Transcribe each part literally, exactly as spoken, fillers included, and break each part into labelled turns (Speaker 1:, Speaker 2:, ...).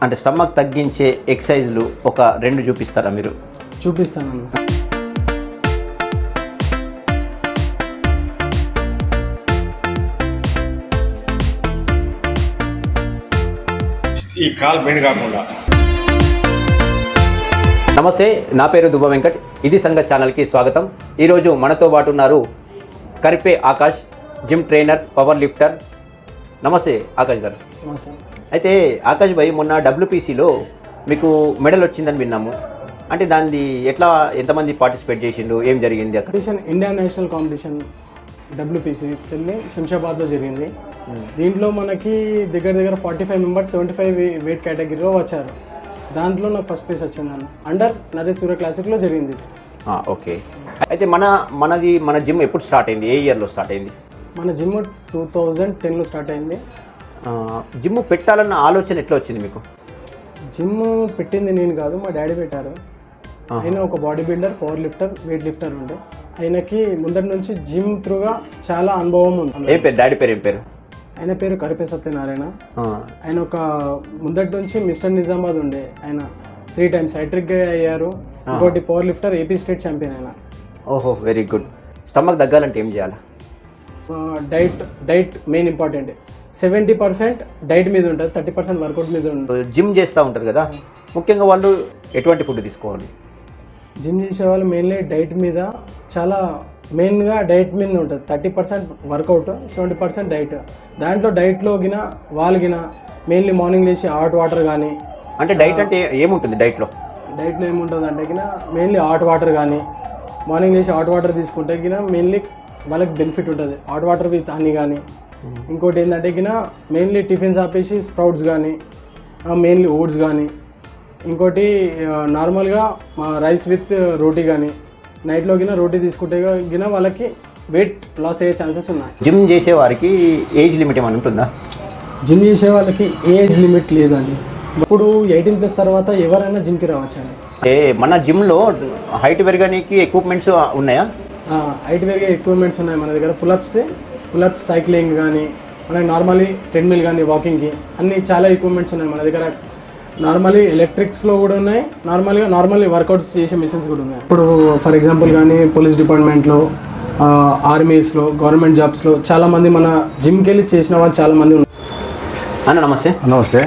Speaker 1: అంటే స్టమక్ తగ్గించే ఎక్సర్సైజ్లు ఒక రెండు చూపిస్తారా మీరు?
Speaker 2: చూపిస్తాను.
Speaker 3: ఈ కాల్ బెండ్ కాకుండా.
Speaker 1: నమస్తే, నా పేరు దుబ్బ వెంకట్. ఇది సంగతి ఛానల్కి స్వాగతం. ఈరోజు మనతో పాటు ఉన్నారు Karipe Akash, gym trainer, power lifter. నమస్తే ఆకాష్ గారు.
Speaker 2: నమస్తే.
Speaker 1: అయితే ఆకాష్ భాయ్, మొన్న డబ్ల్యూపీసీలో మీకు మెడల్ వచ్చిందని విన్నాము. అంటే దాన్ని ఎట్లా, ఎంతమంది పార్టిసిపేట్ చేసిండు, ఏం జరిగింది అక్కడ?
Speaker 2: Competition Indian national competition WPC వెళ్ళి శంషాబాద్లో జరిగింది. దీంట్లో మనకి దగ్గర దగ్గర forty five members seventy five weight కేటగిరీలో వచ్చారు. దాంట్లో నాకు ఫస్ట్ ప్లేస్ వచ్చింది. అండర్ నరేష్ సూర్య క్లాసిక్లో జరిగింది.
Speaker 1: ఓకే. అయితే మన మనది మన జిమ్ ఎప్పుడు స్టార్ట్ అయింది, ఏ ఇయర్లో స్టార్ట్ అయింది?
Speaker 2: మన జిమ్ టూ థౌజండ్ టెన్లో స్టార్ట్ అయింది.
Speaker 1: జిమ్ పెట్టాలన్న ఆలోచన ఎట్లా వచ్చింది మీకు?
Speaker 2: జిమ్ పెట్టింది నేను కాదు, మా డాడీ పెట్టారు. ఆయన ఒక body builder, power lifter, weight lifter ఉండే. ఆయనకి ముందటి నుంచి జిమ్ త్రూగా చాలా అనుభవం ఉంది.
Speaker 1: ఏం పేరు డాడీ పేరు? ఏం పేరు?
Speaker 2: ఆయన పేరు కరిపే సత్యనారాయణ. ఆయన ఒక ముందటి నుంచి మిస్టర్ నిజామాబాద్ ఉండే. ఆయన త్రీ టైమ్స్ హ్యాట్రిక్ అయ్యారు. ఇంకోటి power lifter, AP state champion ఆయన.
Speaker 1: ఓహో, వెరీ గుడ్. స్టమక్ తగ్గాలంటే ఏం చేయాలి?
Speaker 2: Diet diet main important. Seventy percent diet మీద ఉంటుంది, థర్టీ పర్సెంట్ వర్కౌట్ మీద ఉంటుంది.
Speaker 1: జిమ్ చేస్తూ ఉంటారు కదా, ముఖ్యంగా వాళ్ళు ఎటువంటి ఫుడ్ తీసుకోవాలి?
Speaker 2: జిమ్ చేసే వాళ్ళు మెయిన్లీ డైట్ మీద, చాలా మెయిన్గా డైట్ మీద ఉంటుంది. Thirty percent workout, seventy percent diet. దాంట్లో డైట్లో గిన వాళ్ళు గిన మెయిన్లీ మార్నింగ్ లేచి హాట్ వాటర్ కానీ.
Speaker 1: అంటే డైట్ అంటే ఏముంటుంది డైట్లో?
Speaker 2: డైట్లో ఏముంటుంది అంటే గిన మెయిన్లీ హాట్ వాటర్ కానీ, మార్నింగ్ లేచి హాట్ వాటర్ తీసుకుంటే గిన మెయిన్లీ వాళ్ళకి బెనిఫిట్ ఉంటుంది. హాట్ వాటర్ విత్ హనీ కానీ. ఇంకోటి ఏంటంటే గిన మెయిన్లీ టిఫిన్స్ ఆపేసి స్ప్రౌట్స్ కానీ, మెయిన్లీ ఓట్స్ కానీ. ఇంకోటి నార్మల్గా రైస్ విత్ రోటీ కానీ. నైట్లో గిన రోటీ తీసుకుంటే గిన వాళ్ళకి వెయిట్ లాస్ అయ్యే ఛాన్సెస్ ఉన్నాయి.
Speaker 1: జిమ్ చేసే వారికి ఏజ్ లిమిట్ ఏమైనా ఉంటుందా?
Speaker 2: జిమ్ చేసే వాళ్ళకి ఏజ్ లిమిట్ లేదండి. ఇప్పుడు ఎయిటీన్ ప్లస్ తర్వాత ఎవరైనా జిమ్కి రావచ్చండి.
Speaker 1: ఏ మన జిమ్లో హైట్ పెరగడానికి ఎక్విప్మెంట్స్ ఉన్నాయా?
Speaker 2: హైట్ పెరిగే ఎక్విప్మెంట్స్ ఉన్నాయి మన దగ్గర. పులప్స్ పులప్స్ సైక్లింగ్ కానీ, మనకి నార్మల్లీ ట్రెడ్మిల్ కానీ, వాకింగ్కి అన్ని చాలా ఎక్విప్మెంట్స్ ఉన్నాయి మన దగ్గర. నార్మల్లీ ఎలక్ట్రిక్స్లో కూడా ఉన్నాయి, నార్మల్గా నార్మల్లీ వర్కౌట్స్ చేసే మిషన్స్ కూడా ఉన్నాయి. ఇప్పుడు ఫర్ ఎగ్జాంపుల్ కానీ పోలీస్ డిపార్ట్మెంట్లో, ఆర్మీస్లో, గవర్నమెంట్ జాబ్స్లో చాలామంది మన జిమ్కి వెళ్ళి చేసిన వాళ్ళు చాలామంది ఉన్నారు.
Speaker 1: అన్న నమస్తే.
Speaker 3: నమస్తే.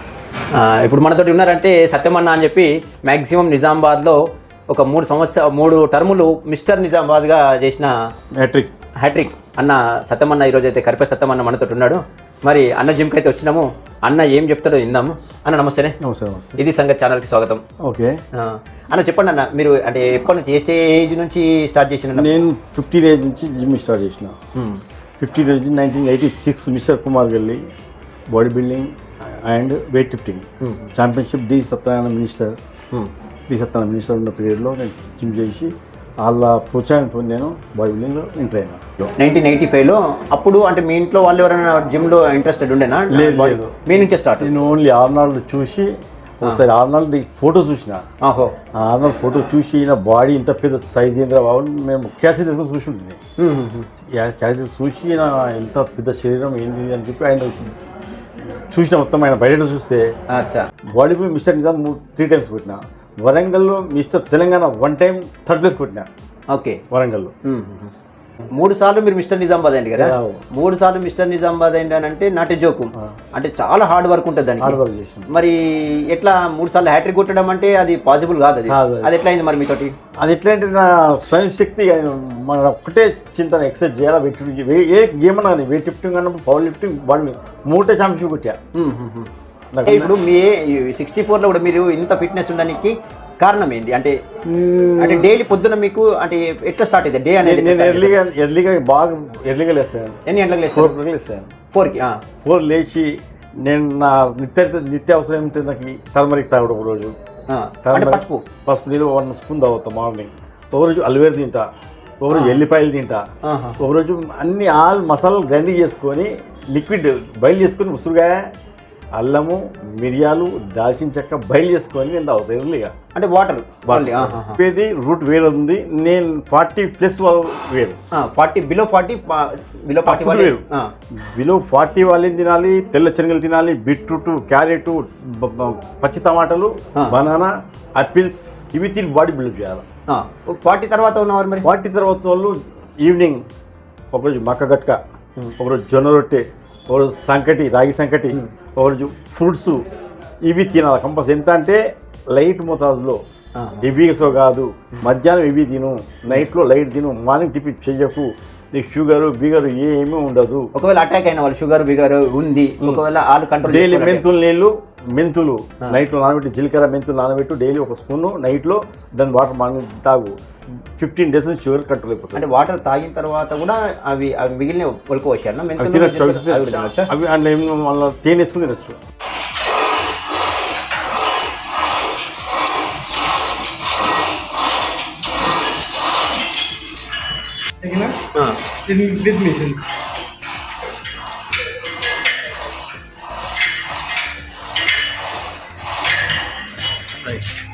Speaker 1: ఇప్పుడు మనతోటి ఉన్నారంటే సత్యమన్న అని చెప్పి మ్యాక్సిమం నిజామాబాద్లో ఒక మూడు సంవత్సర మూడు టర్ములు మిస్టర్ నిజామాబాద్గా చేసిన
Speaker 3: హ్యాట్రిక్
Speaker 1: హ్యాట్రిక్ అన్న సత్యమన్న. ఈరోజు అయితే కరిపే సత్యమన్న మనతో ఉన్నాడు. మరి అన్న జిమ్కి అయితే వచ్చినాము. అన్న ఏం చెప్తాడో విందాము. అన్న నమస్తేనే.
Speaker 3: నమస్తే. నమస్తే.
Speaker 1: ఇది సంగతి ఛానల్కి స్వాగతం.
Speaker 3: ఓకే
Speaker 1: అన్న చెప్పండి అన్న, మీరు అంటే ఎప్పటి నుంచి, ఏ ఏజ్ నుంచి స్టార్ట్ చేసిన?
Speaker 3: నేను ఫిఫ్టీన్ ఏజ్ నుంచి జిమ్ స్టార్ట్ చేసిన. Fifteen age nineteen eighty six mister Kumar వెళ్ళి body building and weight lifting championship D Satyanarayana minister D Satyanarayana minister ఉన్న పీరియడ్లో నేను జిమ్ చేసి వాళ్ళ ప్రోత్సాహంతో నేను బాడీ బిల్డింగ్లో ఎంటర్ అయినా.
Speaker 1: నైన్టీన్ ఎయిటీ ఫైవ్లో అప్పుడు అంటే మీ ఇంట్లో వాళ్ళు ఎవరైనా జిమ్లో ఇంట్రెస్టెడ్ ఉండేనా?
Speaker 3: లేదు,
Speaker 1: మీ నుంచే స్టార్ట్.
Speaker 3: నేను ఓన్లీ ఆర్నాల్డ్ చూసి ఒకసారి ఆర్నాల్డ్ ఫోటో చూసిన.
Speaker 1: ఆహో.
Speaker 3: ఆర్నాల్డ్ ఫోటో చూసి నా బాడీ ఇంత పెద్ద సైజ్ ఏంద్రా బాబు, మేము క్యాసెట్ తీసుకొని చూసి ఉంటుంది. క్యాసెట్ చూసి నా ఎంత పెద్ద శరీరం ఏంది అని చెప్పి ఆయన చూసిన. మొత్తం ఆయన బయట చూస్తే body mister Nizam three times కొట్టిన. వరంగల్లో mister Telangana one time third place కొట్టినా.
Speaker 1: ఓకే.
Speaker 3: వరంగల్లో
Speaker 1: మూడు సార్లు మీరు మిస్టర్ నిజామాబాద్ అయింది కదా. మూడు సార్లు మిస్టర్ నిజామాబాద్ అయింది అని అంటే నాట్ ఏ జోకు. అంటే చాలా హార్డ్ వర్క్ ఉంటుంది దానికి.
Speaker 3: హార్డ్ వర్క్ చేసిన.
Speaker 1: మరి ఎట్లా మూడు సార్లు హ్యాట్రిక్ కొట్టడం అంటే అది పాసిబుల్ కాదు. అది అది ఎట్లా అయింది మరి మీతోటి?
Speaker 3: అది ఎట్లా అంటే నా స్వయం శక్తి మన ఒక్కటే చింతన ఎక్సర్సైజ్ చేయాలా. వెయిట్ ఏ గేమ్ అన్నా కానీ వెయిట్ లిఫ్టింగ్ అన్నప్పుడు పవర్ లిఫ్టింగ్ బాడీ మూడే ఛాంపియన్షిప్ కొట్టా. ఇప్పుడు మీ సిక్స్టీ ఫోర్లో కూడా మీరు ఇంత ఫిట్నెస్ ఉండడానికి కారణం ఏంటి? అంటే అంటే డైలీ పొద్దున మీకు అంటే ఎట్లా స్టార్ట్ అయితే డే అనేది? నేను ఎర్లీగా ఎర్లీగా బాగా ఎర్లీగా లేస్తాను.
Speaker 1: ఎన్ని గంటలకు లేస్తాను?
Speaker 3: ఫోర్ గంటలకు లేస్తాను.
Speaker 1: ఫోర్కి
Speaker 3: ఫోర్ లేచి నేను నా నిత్య నిత్య అవసరం ఏమిటి, నాకు టర్మరిక్ తాగడం. ఒక రోజు
Speaker 1: పసుపు
Speaker 3: పసుపు నీళ్ళు వన్ స్పూన్ తాగుతాం మార్నింగ్. ఒకరోజు అల్వేర్ తింటా, ఒకరోజు ఎల్లిపాయలు తింటా, ఒకరోజు అన్ని ఆల్ మసాలాలు గ్రైండింగ్ చేసుకొని లిక్విడ్ బయలు చేసుకొని ఉసురుగా అల్లము మిరియాలు దాల్చిన చెక్క బయలు చేసుకొని నేను తాగుతాను ఎర్లీగా.
Speaker 1: అంటే వాటర్
Speaker 3: చెప్పేది రూట్ వేరు ఉంది, నేను ఫార్టీ ప్లస్ వేరు,
Speaker 1: forty below forty below forty
Speaker 3: వేరు. బిలో ఫార్టీ వాళ్ళని తినాలి, తెల్ల శనగలు తినాలి, బీట్రూట్, క్యారెట్, పచ్చి టమాటాలు, బనానా, ఆపిల్స్ ఇవి తిని బాడీ బిల్డ్ చేయాలి.
Speaker 1: ఫార్టీ తర్వాత ఉన్నవారు మరి
Speaker 3: ఫార్టీ తర్వాత వాళ్ళు ఈవినింగ్ ఒకరోజు మక్క గట్క, ఒకరోజు జొన్న రొట్టె, ఒకరోజు సంకటి రాగి సంకటి, ఒకరోజు ఫ్రూట్స్ ఇవి తినాలి కంపల్సరీ. ఎంత అంటే లైట్ మోతాదులో, హెవీగా కాదు. మధ్యాహ్నం ఇవి తిను, నైట్లో లైట్ తిను, మార్నింగ్ టిఫిన్ చెయ్యకు. నీకు షుగరు బిగరు ఏమీ ఉండదు.
Speaker 1: ఒకవేళ అటాక్ అయిన వాళ్ళు షుగర్ బిగర్ ఉంది, ఒకవేళ వాళ్ళు కంట్రోల్
Speaker 3: డైలీ మెంతులు నీళ్ళు, మెంతులు నైట్లో నానబెట్టి, జీలకర్ర మెంతులు నానబెట్టు డైలీ ఒక స్పూను నైట్లో, దాని వాటర్ మార్నింగ్ తాగు. ఫిఫ్టీన్ డేస్ నుంచి షుగర్ కంట్రోల్ అయిపోతుంది.
Speaker 1: అంటే వాటర్ తాగిన తర్వాత కూడా అవి అవి మిగిలిన ఒలుకు వచ్చాను
Speaker 3: అవి అందులో ఏమో మళ్ళీ తేనె వేసుకుని తినచ్చు.
Speaker 2: with missions. Right.